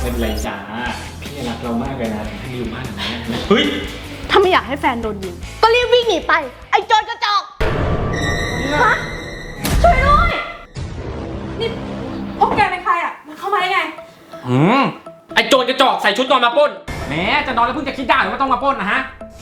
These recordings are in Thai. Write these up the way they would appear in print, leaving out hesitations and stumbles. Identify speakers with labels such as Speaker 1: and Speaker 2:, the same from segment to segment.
Speaker 1: ไม่เป็นไรจ้าพี่รักเรามากเลยนะที่อยู่บ้านหลังนี้เฮ้ย
Speaker 2: ถ้าไม่อยากให้แฟนโดนยิงก็รีบวิ่งหนีไปไอ้โจรกระจอกฮะช่วยด้วยนี่พวกแกเป็นใครอ่ะมันเข้ามาได้ไง
Speaker 1: ไอโจรกระจอกใส่ชุดนอนมาปล้นแหมจะนอนแล้วเพิ่งจะคิดได้หรือว่าต้องมาปล้นนะฮะ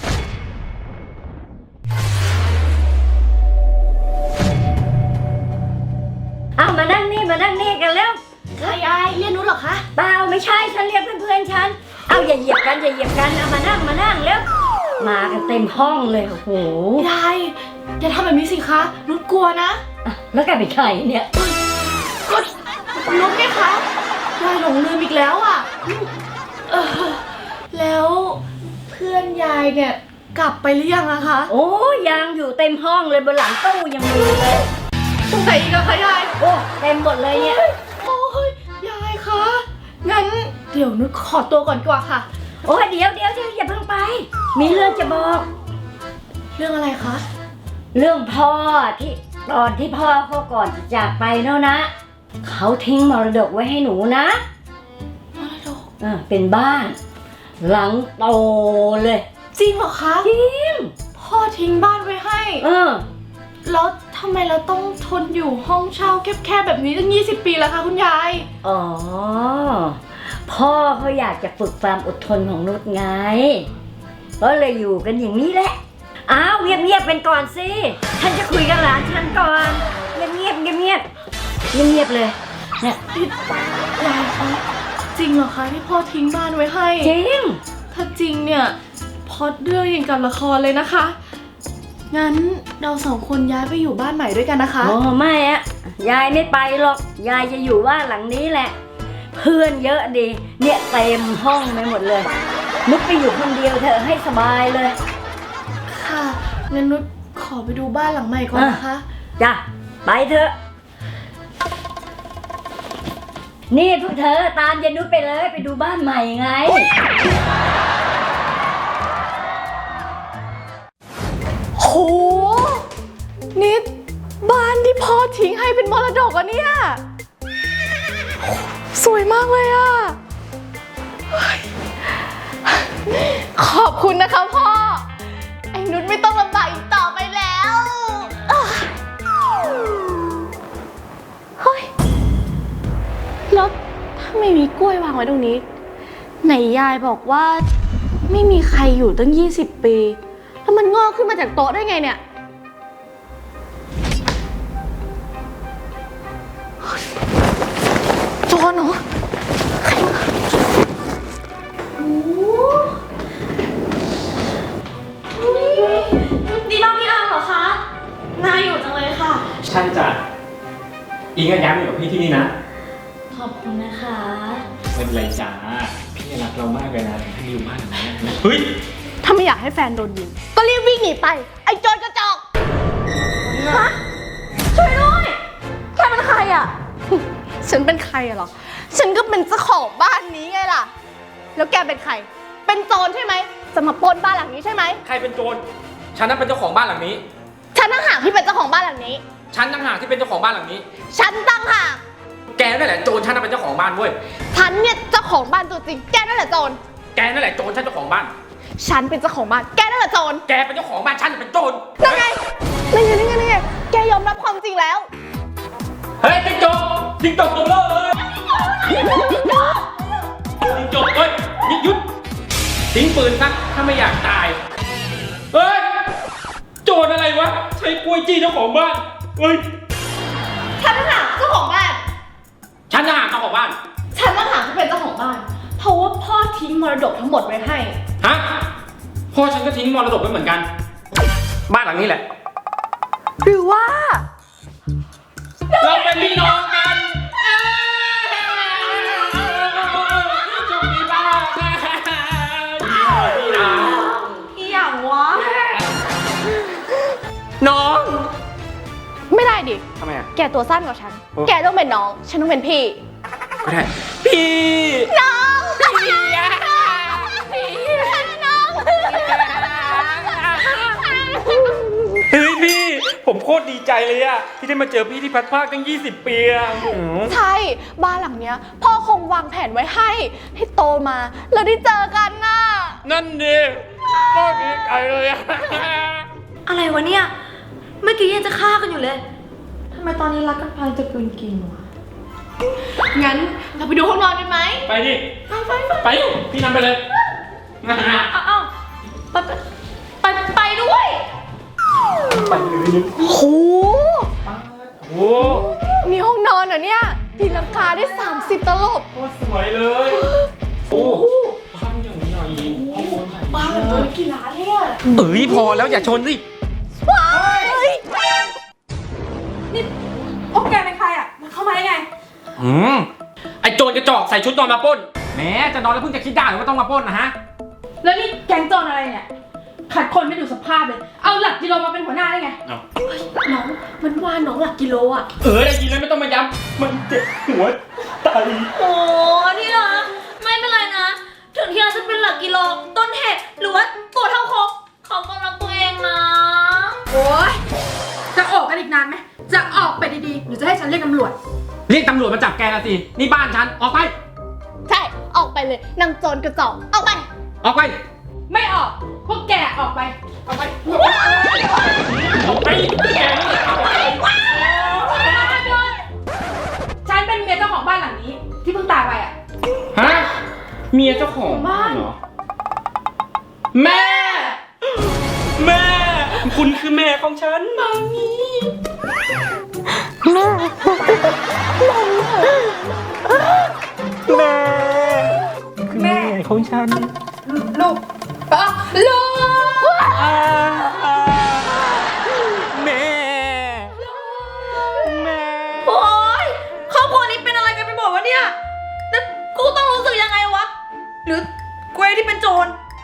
Speaker 3: เอามานั่งนี่กันแล้ว
Speaker 2: ใครอายเรียกนุชเหรอคะ
Speaker 3: เปล่าไม่ใช่ฉันเรียกเพื่อนฉันเอาอย่าเหยียบกันเอามานั่งแล้วมากันเต็มห้องเลยโอ้โห
Speaker 2: ยายอย่าทำแบบนี้สิคะนุชกลัวนะ
Speaker 3: แล้วแกเป็นใครเนี่ย
Speaker 2: ก็นุชไงคะยายหลงลืมอีกแล้วอ่ะแล้วเพื่อนยายเนี่ยกลับไปหรือยังอะคะ
Speaker 3: โอ้ยังอยู่เต็มห้องเลยบนหลังตู้ยังมีเลย
Speaker 2: ตรงไหนอีกอะคะยาย
Speaker 3: โอ้เต็มหมดเลยเนี่ย
Speaker 2: โอ้ยยายคะงั้นเดี๋ยวนุชขอตัวก่อนดีกว่าค่ะ
Speaker 3: โอ้ยเดี๋ยวอย่าเพิ่งไปมีเรื่องจะบอก
Speaker 2: เรื่องอะไรคะ
Speaker 3: เรื่องพ่อที่ตอนที่พ่อเขาก่อนจะจากไปเนาะนะเขาทิ้งมรดกไว้ให้หนูนะ
Speaker 2: มรดก
Speaker 3: เป็นบ้านหลังโตเลย
Speaker 2: จริงเหรอคะ
Speaker 3: จริง
Speaker 2: พ่อทิ้งบ้านไว้ให้แล้วทำไมเราต้องทนอยู่ห้องเช่าแคบๆแบบนี้ตั้ง20 ปีแล้วคะคุณยาย
Speaker 3: อ๋อพ่อเขาอยากจะฝึกความอดทนของนุชไงก็เลยอยู่กันอย่างนี้แหละอ้าวเงียบเป็นก่อนสิฉันจะคุยกับหลานฉันก่อนเงียบเลยเนี่ย
Speaker 2: ยายคะจริงเหรอคะที่พ่อทิ้งบ้านไว้ให้
Speaker 3: จริง
Speaker 2: ถ้าจริงเนี่ยพอดเรื่องอย่างกับละครเลยนะคะงั้นเรา2 คนย้ายไปอยู่บ้านใหม่ด้วยกันนะคะ
Speaker 3: โอ้ไม่อะยายไม่ไปหรอกยายจะอยู่บ้านหลังนี้แหละเพื่อนเยอะดีเนี่ยเต็มห้องไปหมดเลยนุชไปอยู่คนเดียวเถอะให้สบายเลย
Speaker 2: ค่ะงั้นนุชขอไปดูบ้านหลังใหม่ก่อนนะคะ
Speaker 3: จ้ะไปเถอะนี่พวกเธอตามยายนุชไปเลยไปดูบ้านใหม่ไง
Speaker 2: โหนี่บ้านที่พ่อทิ้งให้เป็นมรดกอ่ะเนี่ยสวยมากเลยอ่ะขอบคุณนะคะพ่อไอ้นุชไม่ต้องลำบากอีกต่อไปแล้วเฮ้ยแล้วถ้าไม่มีกล้วยวางไว้ตรงนี้ไหนยายบอกว่าไม่มีใครอยู่ตั้ง20 ปีแล้วมันงอกขึ้นมาจากโต๊ะได้ไงเนี่ยโจรเหรอใครมานี่น้องพี่อาเหรอคะน่าอยู่จังเลยค่ะ
Speaker 1: ใช่จ้ะอิงก็ย้ายมาอยู่กับพี่ที่นี่นะ
Speaker 2: ขอบคุณนะคะ
Speaker 1: ไม่เป็นไรจ้าพี่รักเรามากเลยนะที่อยู่บ้านหลังนี้เฮ้ย
Speaker 2: ถ้าไม่อยากให้แฟนโดนยิงก็รีบวิ่งหนีไปไอ้โจรกระจอกฮะช่วยด้วยแกเป็นใครอ่ะฉันเป็นใครอะหรอฉันก็เป็นเจ้าของบ้านนี้ไงล่ะแล้วแกเป็นใครเป็นโจรใช่ไหมจะมาปล้นบ้านหลังนี้ใช่ไหม
Speaker 1: ใครเป็นโจรฉันนั่นเป็นเจ้าของบ้านหลังนี้
Speaker 2: ฉันต่างหากที่เป็นเจ้าของบ้านหลังนี้
Speaker 1: ฉันต่างหากที่เป็นเจ้าของบ้านหลังนี้
Speaker 2: ฉันต่างหาก
Speaker 1: แกนั่นแหละโจรฉันนั่นเป็นเจ้าของบ้านเว้ย
Speaker 2: ฉันเนี่ยเจ้าของบ้านตัวจริงแกนั่นแหละโจร
Speaker 1: แกนั่นแหละโจรฉันเจ้าของบ้าน
Speaker 2: ฉันเป็นเจ้าของบ้านแกนั่นแหละโจร
Speaker 1: แกเป็นเจ้าของบ้านฉันเป็นโจร
Speaker 2: นั่นไงแกยอมรับความจริงแล้ว
Speaker 1: เฮ้ยจิ้งจกตัวเบลอเลยจิ้งจกเฮ้ยหยุดทิ้งปืนซะถ้าไม่อยากตายเฮ้ยโจรอะไรวะใช้กล้วยจี้เจ้าของบ้านเฮ้ย
Speaker 2: ฉันต่างหากเจ้าของบ้าน
Speaker 1: ฉันต่างหากเจ้าของบ้าน
Speaker 2: ฉันต่างหากที่เป็นเจ้าของบ้านเพราะว่าพ่อทิ้งมรดกทั้งหมดไว้ให้
Speaker 1: ฮะพ่อฉันก็ทิ้งมรดกไว้เหมือนกันบ้านหลังนี้แหละ
Speaker 2: หรือว่า
Speaker 1: เราเป็นพี่น้องกันจงมีบ้าน
Speaker 2: อีหยังวะ
Speaker 1: น้อง
Speaker 2: ไม่ได้ดิ
Speaker 1: ทำไมอ่ะ
Speaker 2: แกตัวสั้นกว่าฉันแกต้องเป็นน้องฉันต้องเป็นพี่
Speaker 1: ก็ได้พี่
Speaker 2: น้องพี่น้อง
Speaker 1: เฮ้ยพี่ผมโคตรดีใจใจเลยอะที่ได้มาเจอพี่ที่พัดภาคตั้ง20 ปีอะ
Speaker 2: ใช่บ้านหลังเนี้ยพ่อคงวางแผนไว้ให้โตมาแล้วได้เจอกันน่ะ
Speaker 1: นั่นดิก็ดีใจเลยอะ
Speaker 4: อะไรวะเนี่ย เมื่อกี้ยังจะฆ่ากันอยู่เลยทำไมตอนนี้รักกันพลายจะกลืนกินวะ
Speaker 2: งั้นเราไปดูห้องนอนกันไหม
Speaker 1: ไปดิไปพี่นำไปเลย
Speaker 4: เอาไปด้วย
Speaker 1: ไปเลย
Speaker 2: โอ้โห
Speaker 1: โอ้
Speaker 2: มีห้องนอนเหรอเนี่ยตีลังกาได้30 ตลบ
Speaker 1: โหสวยเลยโอ้บ้านอย่างใหญ่
Speaker 2: บ้านหลังนี้กี่ล้านเนี่ย
Speaker 1: เอ้ยพอแล้วอย่าชนสิ
Speaker 2: ว้าย
Speaker 4: พวกแกเป็นใครอ่ะมันเข้ามาได้ไง
Speaker 1: ไอโจรกระจอกใส่ชุดนอนมาปล้นแหมจะนอนแล้วเพิ่งจะคิดได้ว่าต้องมาปล้นนะฮะ
Speaker 4: แล้วนี่แก๊งโจรอะไรเนี่ย ขัดคนไม่ดูสภาพเลย เอาหลักกิโลมาเป็นหัวหน้าได้ไง
Speaker 1: เอา
Speaker 4: น้อง มันว่าน้องหลักกิโลอ่ะ
Speaker 1: ได้ยินแล้วไม่ต้องมาย้ำมันเจ็บหัวใจ
Speaker 4: โอ้ที่รักไม่เป็นไรนะ ถึงที่เราจะเป็นหลักกิโลต้นเหตุหรือว่าตัวเท่าครบเขาก็รักตัวเองนะ โอ้ยจะออกกันอีกนานไหม จะออกไปดีๆหรือจะให้ฉันเรียกตำรวจ
Speaker 1: เรียกตำรวจมาจับแกละสินี่บ้านฉันออกไป
Speaker 2: ใช่ออกไปเลยนางโจรกระจอกออกไป
Speaker 1: ออกไป
Speaker 4: ไม่ออก พวกแกออกไป
Speaker 1: ออกไปแก
Speaker 4: ฉันเป็นเมียเจ้าของบ้านหลังนี้ ที่เพิ่งตายไปอ่ะ
Speaker 1: ฮะเมียเจ้าของบ้านเหรอแม่คุณคือแม่ของฉันมามีแม่ของฉัน
Speaker 4: ลูกลูก
Speaker 1: แม่
Speaker 4: โอ๊ยครอบครัวนี้เป็นอะไรกันไปหมดวะเนี่ยแล้วกูต้องรู้สึกยังไงวะ หรือกูเองที่เป็นโจร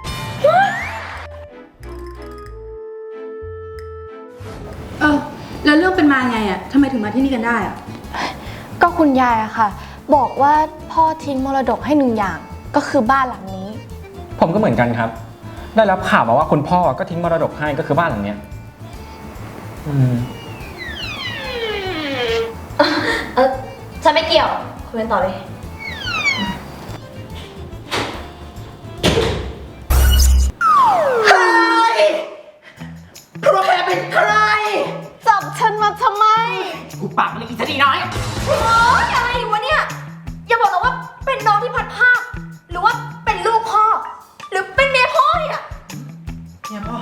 Speaker 4: แล้วเรื่องเป็นมาไงอ่ะทำไมถึงมาที่นี่กันได้อ่ะ
Speaker 2: ก็คุณยายอะค่ะ บอกว่าพ่อทิ้งมรดกให้1 อย่างก็คือบ้านหลังนี้
Speaker 5: ผมก็เหมือนกันครับ ได้รับข่าวมาว่าคุณพ่อก็ทิ้งมรดกให้ก็คือบ้านหลังเนี้ย
Speaker 4: ฉันไม่เกี่ยวคุยกันต่อเลย
Speaker 6: พวกแกเป็นใคร
Speaker 2: จับฉันมาทำไม
Speaker 6: กูปากมันเลยอีสนีน้อย
Speaker 4: โอ๊ยอะไรวะเนี่ย อย่าบอกนะว่าเป็นน้องที่พัดภาคหรือว่าเป็นลูกพ่อ หรือเป็นเมียพ่อเนี่ย
Speaker 6: เนี่ยพ่อ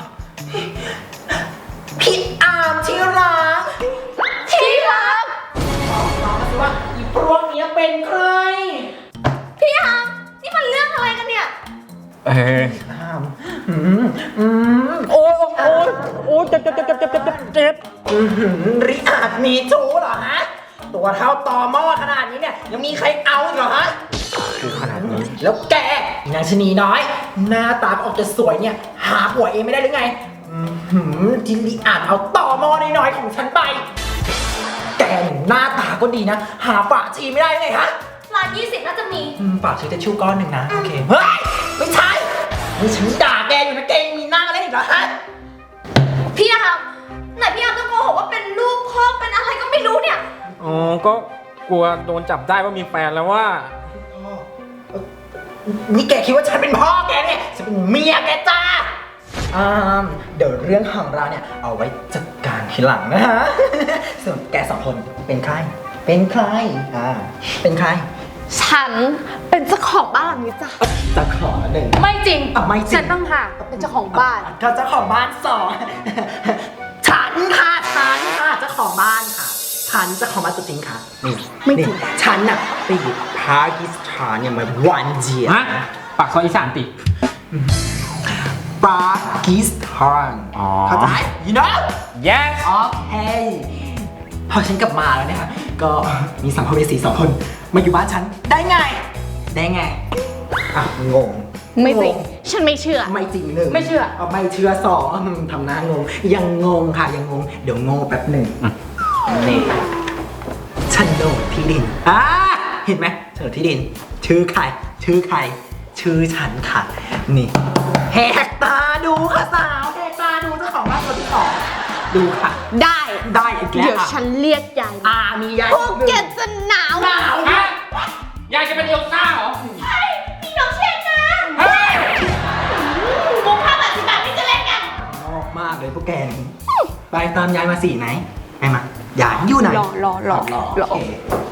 Speaker 6: พี่อาร์มที่รัก
Speaker 2: ที่รัก
Speaker 6: บอกน้องมาสิว่าอีพวกเนี้ยเป็นใคร
Speaker 4: พี่อาร์มนี่มันเรื่องอะไรกันเนี่ย
Speaker 6: อาร์ม
Speaker 5: โอ้เจ็บ
Speaker 6: ริอาจมีชู้เหรอฮะ ตัวเท่าตอหม้อขนาดนี้เนี่ยยังมีใครเอาอีกเหรอฮะ
Speaker 5: ขนาดนี้
Speaker 6: แล้วแกนางชะนีน้อย หน้าตาออกจะสวยเนี่ย หาผัวเองไม่ได้หรือไงที่ริอาจเอาต่อหม้อน้อยๆของฉันไป แกหน้าตาก็ดีนะ หาฝาชีไม่ได้ไงฮะ
Speaker 4: ร้าน20น่าจะมี
Speaker 6: ฝากซื้อทิชชู่ก้อนหนึ่งนะ โอเค เฮ้ย ไม่ใช่นี่ฉันด่าแกอยู่นะแกยังมีหน้ามาเล่นอีกเหรอฮะ
Speaker 4: พี่อาร์มไหนพี่อาร์มจะโกหกว่าเป็นลูกพ่อเป็นอะไรก็ไม่รู้เนี่ย
Speaker 5: อ๋อ ก็กลัวโดนจับได้ว่ามีแฟนแล้วว่า
Speaker 6: นี่แกคิดว่าฉันเป็นพ่อแกเนี่ยฉันเป็นเมียแกจ้าเดี๋ยวเรื่องของเราเนี่ยเอาไว้จัดการทีหลังนะฮะ ส่วนแก2 คนเป็นใคร เป็นใคร เป็นใคร
Speaker 2: ฉันเป็นเจ้าของบ้านหลังนี้จ้ะ
Speaker 6: จะขอหนึ่ง
Speaker 4: ไม่จริง
Speaker 6: ไม่จริง
Speaker 4: ฉันต้องหาก
Speaker 2: เป็นเจ้าของบ้าน
Speaker 6: ก็เจ้าของบ้านฉันค่ะเจ้าของบ้านค่ะ ฉันเจ้าของบ้านตัวจริงค่ะ นี่
Speaker 2: ไม่จริง
Speaker 6: นี่ฉันน่ะไปอยู่ปากีสถานเนี่ยมาวันเดียว
Speaker 1: ฮะปากซอยอีสานติ
Speaker 6: ปากีสถาน
Speaker 1: อ๋อ
Speaker 6: เข้าใจ you know
Speaker 1: yes
Speaker 6: โอเคพอฉันกลับมาแล้วเนี่ยค่ะก็มีสัมภเวสี2 คนมาอยู่บ้านฉันได้ไงงง
Speaker 2: ไม่จริง ฉันไม่เชื่อ
Speaker 6: ไม่จริงหนึ่ง
Speaker 4: ไม่เชื่อ
Speaker 6: ไม่เชื่อ2ทำหน้างงยังงงค่ะยังงงเดี๋ยวงงแป๊บหนึ่งนี่โฉนดที่ดินเห็นไหมโฉนดที่ดิน ชื่อใครชื่อฉันค่ะนี่แหกตาดูค่ะสาวแหกตาดูเจ้าของบ้านตัวที่ 2 ดูค่ะ
Speaker 2: ได้
Speaker 6: ได้อีกแล้ว
Speaker 2: เดี๋ยวฉันเรียกยายมา
Speaker 6: มียาย
Speaker 2: พวกแกจะหนาว
Speaker 6: หนาว
Speaker 1: ฮะยายจะเป็นเอลซ่าเหรอ
Speaker 2: มีน้องเชนนะ
Speaker 1: เฮ้ย
Speaker 2: มุก5 บาท 10 บาทที่จะเล่นกัน
Speaker 6: ชอบมากเลยพวกแกนี่ไปตามยายมาสี่ไหนไปมายายอยู่ไหน
Speaker 2: รอ
Speaker 6: โอเค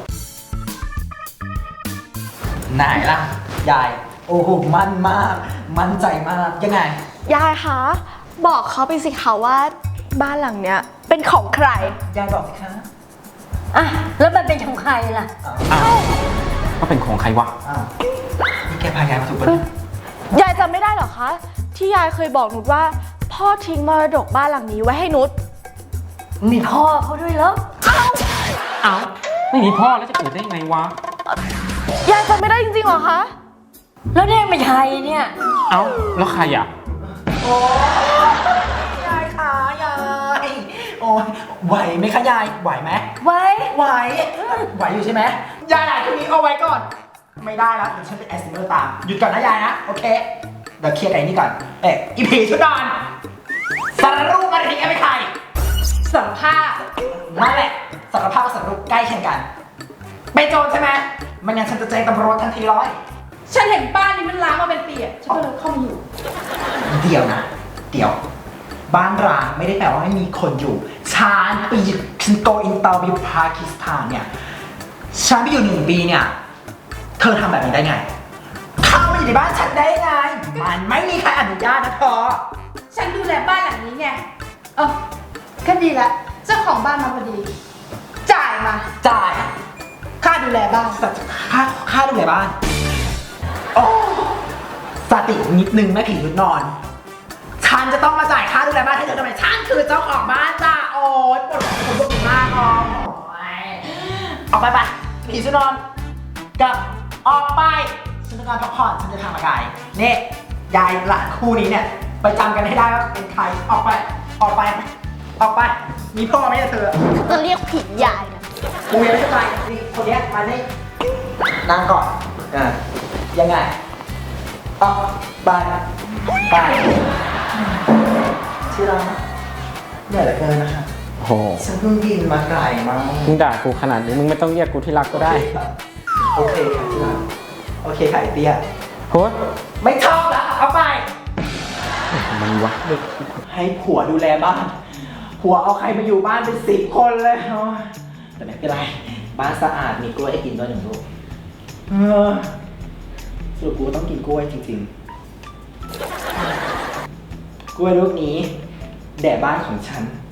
Speaker 6: ไหนล่ะยายโอ้โหมั่นมากมั่นใจมากยังไง
Speaker 2: ยายคะ บอกเขาไปสิคะว่าบ้านหลังเนี้ยเป็นของใคร
Speaker 6: ยายบอกสิคะ
Speaker 3: อ่ะ แล้วมันเป็นของใครล่ะ
Speaker 5: อ้าวก็เป็นของใครวะ
Speaker 6: อ้าวนี่แกพายายมาถูกปะเนี่ย
Speaker 2: ยายจำไม่ได้เหรอคะ ที่ยายเคยบอกนุชว่า พ่อทิ้งมรดกบ้านหลังนี้ไว้ให้นุช
Speaker 3: มีพ่อเขาด้วยเหรอ
Speaker 5: เอ้าไม่มีพ่อแล้วจะเกิดได้ยังไงวะ
Speaker 2: ยายจำไม่ได้จริงๆเหรอคะ
Speaker 3: แล้วเนี่ยไม่ใช่เนี่ย
Speaker 5: เอ้าแล้วใครอ่ะ
Speaker 6: โอ้ยายขายายโอ้ยไหวไหมคะยายไหวไหม
Speaker 3: ไว้
Speaker 6: ไหวไหวอยู่ใช่ไหมยายตรงนี้เอาไว้ก่อน ไม่ได้แล้วเดี๋ยวฉันเป็นแอสซิเมอร์ตามหยุดก่อนนะยายนะโอเคเดี๋ยวเคลียร์ไอ้นี่ก่อนอีผีชุดนอนสารรูปมาทิ้งไม่ใคร
Speaker 4: สารภาพ
Speaker 6: นั่นแหละสารภาพกับสารรูปใกล้เคียงกันเป็นโจรใช่ไหมไม่งั้นฉันจะแจ้งตำรวจทันทีร้อย
Speaker 4: ฉันเห็นบ้านนี้มันล้างมาเป็นปีอะฉันก็เลยเข้ามาอยู่
Speaker 6: เดี๋ยวนะ เดี๋ยว บ้านร้างไม่ได้แปลว่าไม่มีคนอยู่ฉันไปอยู่ฉันโกอินเตอร์ไปอยู่ปากีสถานเนี่ยฉันไปอยู่1 ปีเนี่ยเธอทำแบบนี้ได้ไง เข้ามาอยู่ในบ้านฉันได้ไง มันไม่มีใครอนุญาตนะเธอ
Speaker 4: ฉันดูแลบ้านหลังนี้ไง ก็ดีละเจ้าของบ้านมาพอดี จ่ายมา
Speaker 6: จ่าย
Speaker 4: ค่าดูแลบ้าน
Speaker 6: ค่าดูแลบ้านโอ้สตินิดนึงแม่ผีชุดนอน ฉันจะต้องมาจ่ายค่าดูแลบ้านให้เธอทำไมฉันคือเจ้าของบ้านจ้าโอ๊ยปวดหัวปวดมากอ๋อออกไปผีชุดนอนกลับออกไปฉันจะนอนพักผ่อนฉันจะทำอะไรนี่ยายหลานคู่นี้เนี่ยไปจำกันให้ได้ว่าเป็นใครออกไปออกไปออกไปมีพ่อไหมเธอ
Speaker 2: จะเรียกผิดยายนะ
Speaker 6: กูยังไม่เข้าใจนี่คนเนี้ยมานี่นั่งก่อนยังไงออกไปที่รักเหนื่อยเหลือเกินนะคะ
Speaker 5: โอ้โห
Speaker 6: ฉันเพิ่งบินมาไกลมาก
Speaker 5: มึงด่ากูขนาดนี้มึงไม่ต้องเรียกกูที่รักก็ได้
Speaker 6: โอเคค่ะที่รักโอเคค่ะไอเตี้ย
Speaker 5: โฮ้ย
Speaker 6: ไม่ชอบแล้วเอาไป
Speaker 5: มันวะ
Speaker 6: ให้ผัวดูแลบ้าน ผัวเอาใครมาอยู่บ้านเป็น10 คนเลยโอ๊ยแต่ไม่เป็นไร บ้านสะอาดมีกล้วยให้กินด้วย1 ลูกสรุปกูต้องกินกล้วยจริงๆ กล้วยลูกนี้แด่บ้านของฉัน